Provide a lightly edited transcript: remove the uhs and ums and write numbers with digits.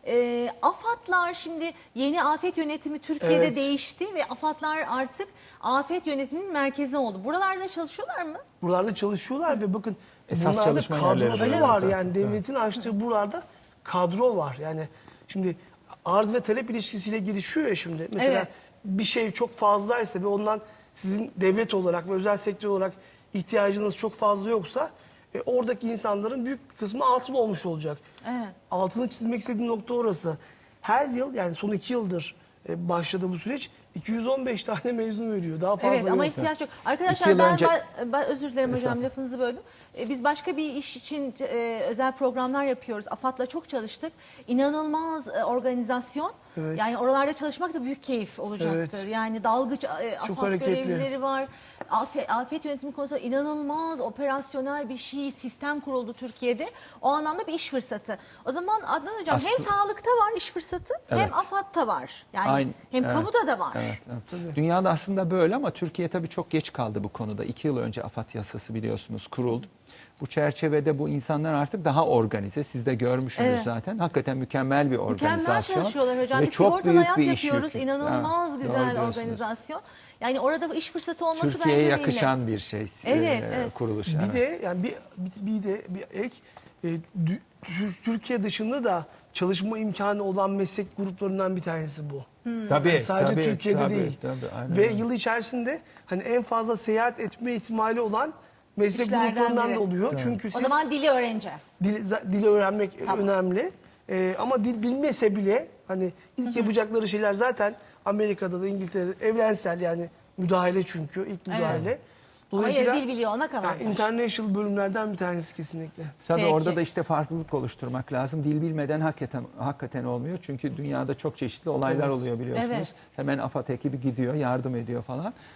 AFAD'lar şimdi yeni afet yönetimi Türkiye'de Evet. değişti ve AFAD'lar artık afet yönetiminin merkezi oldu. Buralarda çalışıyorlar mı? Buralarda çalışıyorlar ve bakın Esas bunlarda çalışma yerleri kadrosu öyle var. zaten. Yani devletin açtığı buralarda kadro var. Yani şimdi arz ve talep ilişkisiyle gelişiyor ya şimdi. Mesela Evet. bir şey çok fazlaysa ve ondan sizin devlet olarak ve özel sektör olarak ihtiyacınız çok fazla yoksa oradaki insanların büyük bir kısmı atıl olmuş olacak. Evet. Altını çizmek istediğim nokta orası. Her yıl yani son 2 yıldır başladı bu süreç. 215 tane mezun veriyor. Daha fazla Evet ama yok. ihtiyaç yok. 2 Arkadaşlar yıl önce- ben özür dilerim hocam lafınızı böldüm. Biz başka bir iş için özel programlar yapıyoruz. AFAD'la çok çalıştık. İnanılmaz organizasyon. Evet. Yani oralarda çalışmak da büyük keyif olacaktır. Evet. Yani dalgıç AFAD hareketli. görevlileri var. Afet yönetimi konusunda inanılmaz operasyonel bir sistem kuruldu Türkiye'de. O anlamda bir iş fırsatı. O zaman Adnan hocam hem sağlıkta var iş fırsatı hem Evet. AFAD'ta var. Yani Aynı, hem evet. kamuda da var. Evet, evet. Dünyada aslında böyle ama Türkiye tabii çok geç kaldı bu konuda. 2 yıl önce AFAD yasası biliyorsunuz kuruldu. Bu çerçevede bu insanlar artık daha organize. Siz de görmüşsünüz Evet. zaten. Hakikaten mükemmel bir organizasyon. Mükemmel çalışıyorlar hocam. Ve Biz çok sigortalı büyük hayat bir iş yapıyoruz. yükü. İnanılmaz Ha, güzel doğru diyorsunuz. organizasyon. Yani orada iş fırsatı olması Türkiye'ye bence yakışan bir şey. Evet, evet. Kuruluş. Bir evet. de yani bir ek Türkiye dışında da çalışma imkanı olan meslek gruplarından bir tanesi bu. Tabii, Yani sadece tabii, Türkiye'de tabii, değil. tabii, aynen Ve öyle. yıl içerisinde hani en fazla seyahat etme ihtimali olan meslek İşlerden gruplarından biri. da oluyor. Çünkü O siz zaman dili öğreneceğiz. dili öğrenmek Tamam. önemli. Ama dil bilmese bile hani ilk yapacakları şeyler zaten Amerika'da da İngiltere'de evrensel yani müdahale çünkü ilk müdahale. Ama yine dil biliyor olmak yani avantaj. international bölümlerden bir tanesi kesinlikle. Tabii Peki. orada da işte farklılık oluşturmak lazım. Dil bilmeden hakikaten olmuyor. Çünkü dünyada çok çeşitli olaylar Evet. oluyor biliyorsunuz. Evet. Hemen AFAD ekibi gidiyor, yardım ediyor falan.